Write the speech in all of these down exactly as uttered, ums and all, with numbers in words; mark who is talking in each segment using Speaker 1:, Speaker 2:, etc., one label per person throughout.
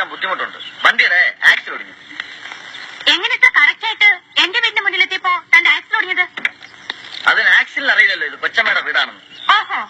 Speaker 1: ബുദ്ധിമുട്ടുണ്ട്. വണ്ടിയുടെ ആക്സിൽ ഒടിഞ്ഞു.
Speaker 2: എങ്ങനെ ഇത്ര കറക്റ്റ് ആയിട്ട് എന്റെ വീടിന്റെ മുന്നിലെത്തിയപ്പോ തന്റെ ആക്സിൽ ഒടിഞ്ഞത്?
Speaker 1: അതിന് ആക്സിലിന് അറിയില്ലല്ലോ ഇത് കൊച്ചമ്മയുടെ വീടാണെന്ന്.
Speaker 2: ഓഹോ,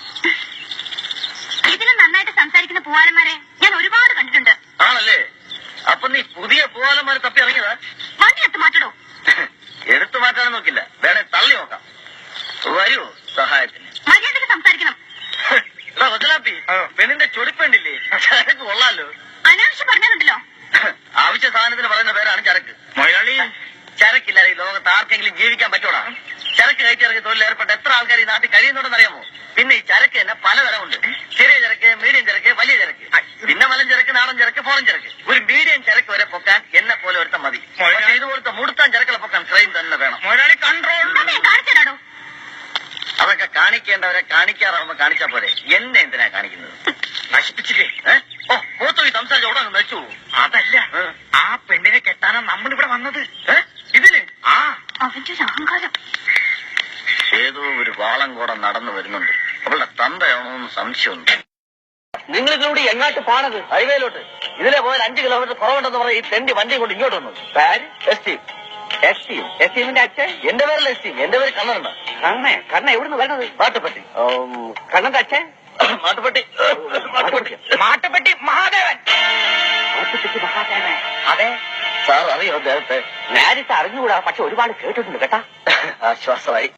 Speaker 2: ഇതിലും നന്നായിട്ട് സംസാരിക്കുന്ന പൂവാലന്മാരെ ഞാൻ ഒരുപാട് കണ്ടിട്ടുണ്ട്.
Speaker 1: ആണല്ലേ? അപ്പൊ നീ പുതിയ പൂവാലന്മാരെ തപ്പി ഇറങ്ങിയതാ?
Speaker 2: വണ്ടി എടുത്ത് മാറ്റടോ.
Speaker 1: എടുത്തു മാറ്റാനും നോക്കില്ല, വേണേ തള്ളി നോക്കാം. വരൂ സഹായത്തിന്.
Speaker 2: മര്യാദക്ക് സംസാരിക്കണം.
Speaker 1: കൊച്ചലാപ്പി, പെണ്ണിന്റെ ചൊടിപ്പേണ്ടില്ലേ? ചരക്ക് കൊള്ളാലോ.
Speaker 2: അനാവശ്യം പറഞ്ഞിട്ടുണ്ടല്ലോ.
Speaker 1: ആവശ്യ സാധനത്തിന് പറയുന്ന പേരാണ് ചരക്ക്. മലയാളി ചരക്കില്ലാതെ ഈ ലോകത്ത് ആർക്കെങ്കിലും ജീവിക്കാൻ പറ്റൂടാ? ചരക്ക് കയറ്റിറങ്ങി തൊഴിൽ ഏർപ്പെട്ട എത്ര ആൾക്കാർ ഈ നാട്ടിൽ കഴിയുന്നുണ്ടെന്ന് അറിയാമോ? പിന്നെ ഈ ചരക്ക് തന്നെ പലതരമുണ്ട്. ചെറിയ ചരക്ക്, മീഡിയം ചരക്ക്, വലിയ ചരക്ക്, പിന്നെ മലം ചരക്ക്, നാടൻ ചരക്ക്, ഫോറൻ ചരക്ക്. ഒരു മീഡിയം ചരക്ക് വരെ പൊക്കാൻ എന്നെ പോലെ ഒരുത്തം മതി. പക്ഷേ ഇതുപോലത്തെ മുടുത്താൻ ചരക്കുകളെ പൊക്കാൻ ക്രെയിൻ തന്നെ വേണം. കൺട്രോൾ.
Speaker 2: കാണിച്ചതാടോ.
Speaker 1: അതൊക്കെ കാണിക്കേണ്ടവരെ കാണിക്കാറാവുമ്പോ കാണിച്ചാ പോരെ. എന്നെ എന്തിനാ കാണിക്കുന്നത്? നശിപ്പിച്ചില്ലേ? ഓ മൂത്തു ഈ സംസാരിച്ച ഉടനെ നശിച്ചു. അതല്ല, ആ പെണ്ണിനെ കെട്ടാനാ നമ്മളിവിടെ വന്നത്. ഇതില് ആ
Speaker 2: അവന്റെ അഹങ്കാരം.
Speaker 1: ഏതോ ഒരു വാളം കൂടെ നടന്നു വരുന്നുണ്ട്. അവളുടെ തന്തയാണോന്ന് സംശയമുണ്ട്. നിങ്ങൾ ഇതിലൂടെ എങ്ങാട്ട് പോണത്? ഹൈവേയിലോട്ട്. ഇതിലെ പോയാൽ അഞ്ച് കിലോമീറ്റർ കുറവുണ്ടെന്ന് പറഞ്ഞ ഈ തെണ്ടി വണ്ടി കൊണ്ട് ഇങ്ങോട്ട് വന്നു. പേര് എസ്റ്റീം. എസ്റ്റീം എസ്റ്റീമിന്റെ അച്ഛൻ? എന്റെ പേരല്ല എസ്റ്റീം, എന്റെ പേര് കണ്ണനുണ്ട്. കണ്ണേ? കണ്ണ എവിടുന്ന് വരുന്നത്? മാട്ടുപ്പെട്ടി. കണ്ണന്റെ അച്ഛൻ? മാട്ടുപ്പെട്ടി. മാട്ടുപ്പെട്ടി മാട്ടുപ്പെട്ടി മഹാദേവൻ. മാട്ടുപ്പെട്ടി മഹാദേവൻ? അതെ സാർ, അറിയോ അദ്ദേഹത്തെ? നേരിട്ട് അറിഞ്ഞുകൂടാ, പക്ഷെ ഒരുപാട് കേട്ടിട്ടുണ്ട് കേട്ടാ. ആശ്വാസമായി.